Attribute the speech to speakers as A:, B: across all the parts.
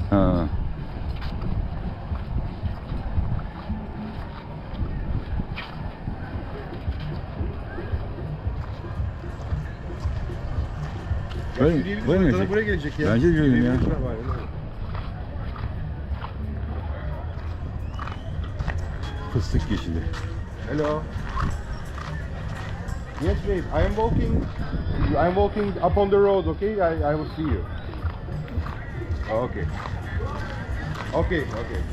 A: Ha. Böyle,
B: Yürüyebiliriz.
A: böyle mi
B: Zaten
A: gelecek?
B: buraya gelecek ya.
A: Bence de yürüyelim ya.
B: Yürüyebiliriz. Aynen öyle.
A: Fıstık yeşili.
B: Hello. Yes, babe. I'm walking up on the road. Okay, I will see you. Okay. Okay.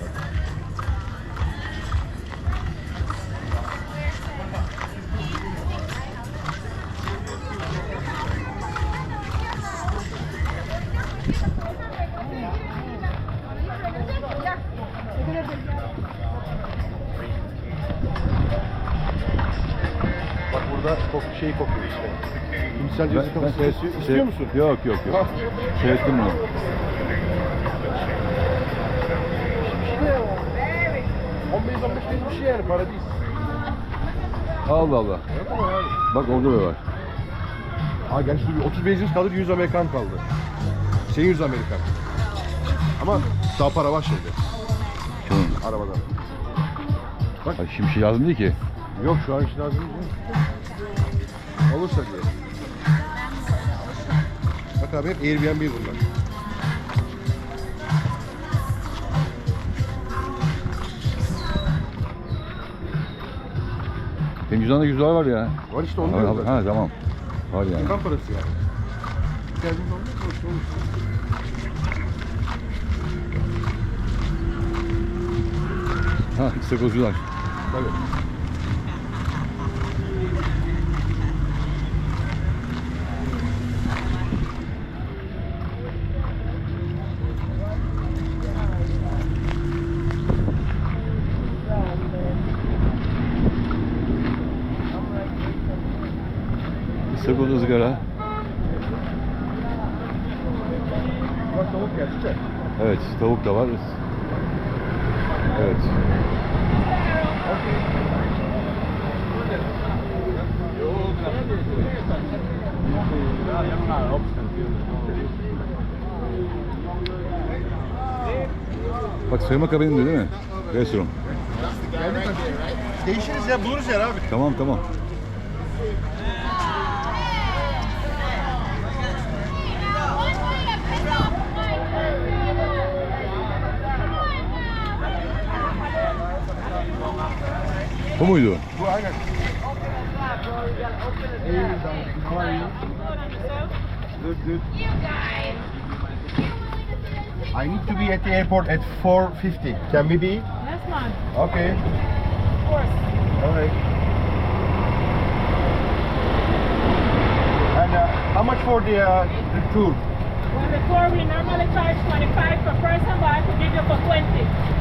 B: Bak burada şey kokuyor işte. Hindistan cevizi kafası kesiyor. İstiyor musun?
A: Yok.
B: Ha.
A: Seyrettim bunu.
B: İşte o. 15 bir şey yani, para değil.
A: Allah Allah.
B: Yok ama yani.
A: Bak orada da var.
B: Aa gerçi 30 benzin kalır, 100 Amerikan kaldı. Senin 100 Amerikan. Ama daha para var şeyde.
A: Şunun.
B: Arabada.
A: Bak şimdi şey lazım değil ki.
B: Yok şu an için lazım değil. Olursa diye. Bak abi hep Airbnb bunlar.
A: Benim cüzdanında 100 dolar var ya.
B: Var işte onu
A: Ha,
B: diyorum zaten.
A: tamam. Var yani.
B: Yakan parası yani. Geldiğin zaman da olur.
A: Ha, istakozcular.
B: Tabii.
A: İstakoz ızgara.
B: Bak tavuk geldi de.
A: Evet, tavuk da var. Evet. Bak soyma kabini de değil mi? Restoran.
B: Değişiriz ya, buluruz yer abi.
A: Tamam. Bu muydu?
B: Bu aynen. Good. I need to be at the airport at 4:50. Can we be?
C: Yes, man.
B: Okay.
C: Of course.
B: Alright. And how much for the tour?
C: Well, the tour we normally charge 25 per person, but I could give you for 20.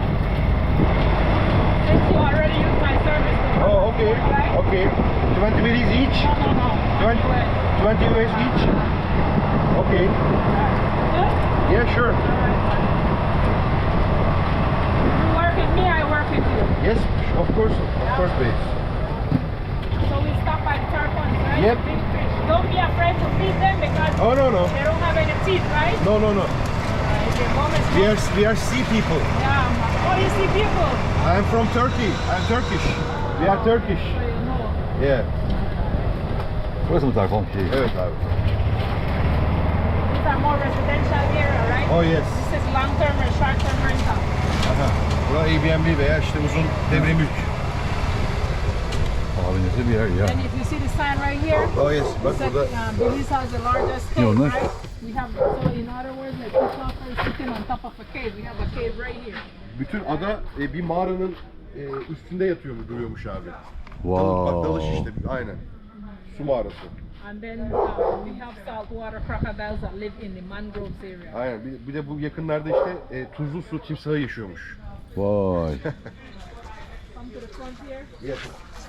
C: Since you already used my service before.
B: Oh, okay.
C: Right?
B: Okay. 20 minutes each?
C: No.
B: 20, 20 US each? Okay.
C: Good?
B: Yeah, sure.
C: You work with me, I work with you.
B: Yes, of course, babe.
C: So we stop by the tarpons, right?
B: Yep.
C: Big fish. Don't be afraid to feed them because
B: Oh, no.
C: they don't have any teeth, right?
B: No.
C: The moment
B: We are sea people.
C: Yeah. Oh, you see people.
B: I'm from Turkey. I'm Turkish. We are Turkish.
C: So you know.
B: Yeah.
A: Burası mı tarifon şeyi?
B: Evet abi.
C: These are more residential area, right?
B: Oh yes.
C: This is long-term and short-term rental.
B: Aha. Bura Airbnb veya işte uzun devre mülk.
A: Abi nasıl bir yer ya?
C: And if you see the sign right here,
B: Oh yes. Bak
C: it says,
B: burada.
C: Belize has the largest
A: Ne
C: cave,
A: onlar?
C: right? We have, so in other words, like Christopher is sitting on top of a cave. We have a cave right here.
B: Bütün ada bir mağaranın üstünde yatıyormuş, duruyormuş abi.
A: Wow.
B: Bak dalış işte. Aynen. Su mağarası.
C: And then we have saltwater crocodiles that live in the mangroves area.
B: Aynen. Bir de bu yakınlarda işte tuzlu su timsahı yaşıyormuş.
A: Vay.
C: Come to the front here.
B: Yes.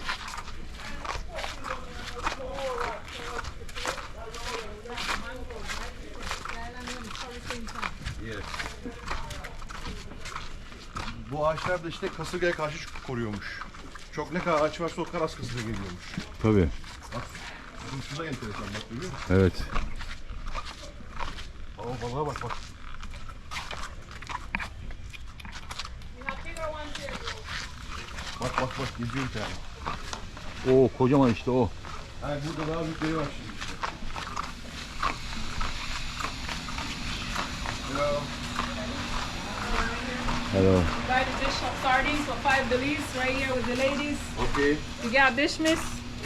B: Yes. Bu ağaçlar da işte kasırgaya karşı koruyormuş. Çok ne kadar ağaç varsa o kadar az kasırga geliyormuş.
A: Tabii.
B: Bak, bu da enteresan bak, görüyor musun?
A: Evet.
B: Balığa bak. Bak bak bak geziyor bir tane.
A: Oo kocaman işte o.
B: Ha burada daha büyükleri var şimdi işte. Hello.
A: Hello.
C: Buy the dish of sardines for 5 dollars right here with the ladies.
B: Okay.
C: You got dish, miss?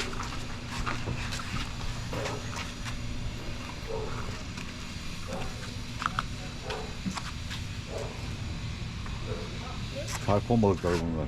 A: Tarpon balıkları bunlar.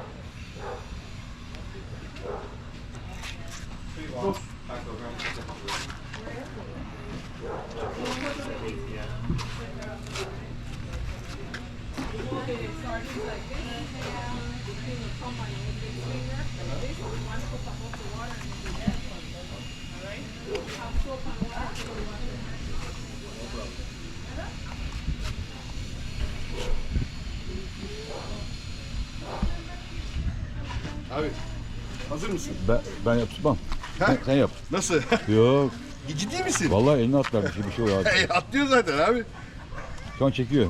B: Abi hazır mısın?
A: Ben yapmam.
B: Ha?
A: Sen yap.
B: Nasıl?
A: Yok.
B: Ciddi misin?
A: Vallahi eline atlar bir şey oluyor.
B: Atlıyor zaten abi.
A: Şu an çekiyor.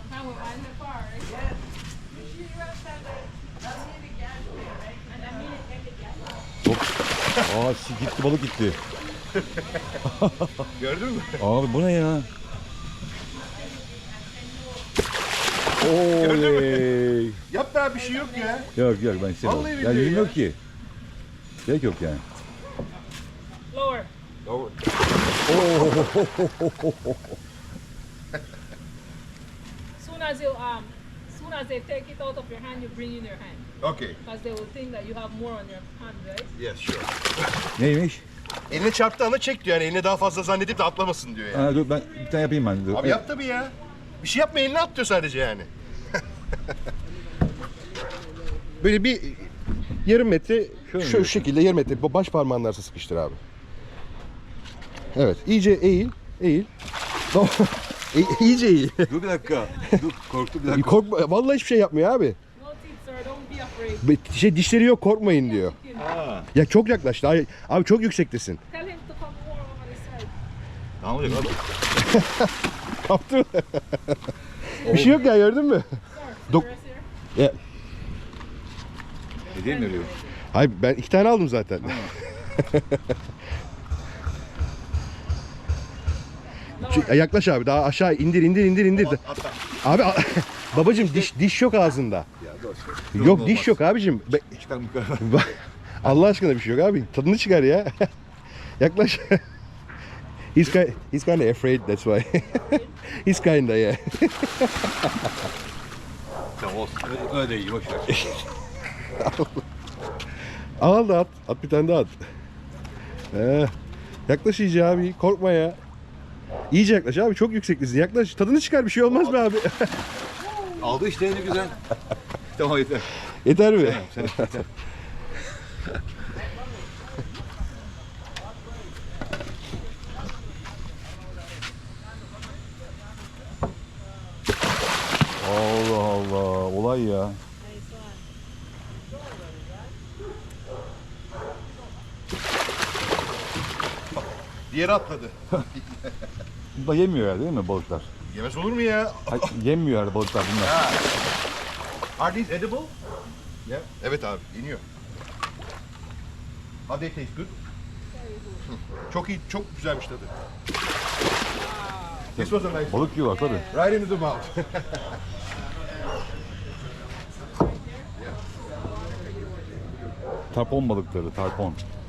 A: Hop. Gitti balık gitti.
B: Gördün mü?
A: Abi bu ne ya?
B: Gördün
A: Oley.
B: Yap daha bir şey yok ya.
A: Yok yok ben istemiyorum.
B: Vallahi
A: Ya
B: billahi
A: yüzüm
B: ya.
A: yok ki. Gerek yok yani.
C: Lower. Soon as they take it out of your hand, you bring in your hand.
B: Okay.
C: Because they will think that you have more on your hand, right?
B: Yes sure.
A: Neymiş?
B: Eline çarptı ana çek diyor yani eline daha fazla zannedip de atlamasın diyor yani.
A: Ha, dur ben bir tane yapayım ben. Dur.
B: Abi yap tabii ya. Bir şey yapma eline at diyor sadece yani. Böyle bir yarım metre
A: Şöyle
B: şu şekilde yarım metre baş parmağının arasına sıkıştır abi. Evet iyice eğil. İyice eğil.
A: Dur bir dakika. Dur korktum bir dakika.
B: Korkma vallahi hiçbir şey yapmıyor abi.
C: No teeth, sir. Don't be afraid.
B: Dişleri yok korkmayın diyor.
A: Ha.
B: Ya çok yaklaştı. Abi çok yüksektesin.
C: Tell him to come more over the side.
A: Ne olacak abi?
B: Kaptı mı? Bir şey yok ya gördün mü? Dok-
C: Rest here.
B: Ya,
A: Hediye mi veriyor?
B: hayır ben 2 tane aldım zaten. Yaklaş abi daha aşağı indir. Abi babacım diş yok ağzında.
A: Ya dur.
B: Yok diş yok abicim.
A: Çıkar mı yukarı?
B: Allah aşkına bir şey yok abi. Tadını çıkar ya. Yaklaş. He's kind of afraid that's why. He's kinda yeah.
A: Tamam olsun. Öyle de iyi boş ver.
B: Al da at. At bir tane daha at. Yaklaş iyice abi. Korkma ya. İyice yaklaş abi. Çok yükseklisin. Yaklaş. Tadını çıkar. Bir şey olmaz be abi.
A: Aldı işte ne güzel. Tamam yeter.
B: Yeter mi?
A: Sen yeter. Allah Allah. Olay ya.
B: Diğeri atladı.
A: Bu da yemiyor herhalde değil mi balıklar?
B: Yemez olur mu ya?
A: Hayır, yemiyor herhalde balıklar bunlar.
B: Are these edible? Yeah. Evet abi. Yeniyor. How they taste good? Çok iyi, çok güzelmiş tadı. This was a nice.
A: Balık yiyorlar tabii.
B: Right into the mouth.
A: Tarpon balıkları, tarpon.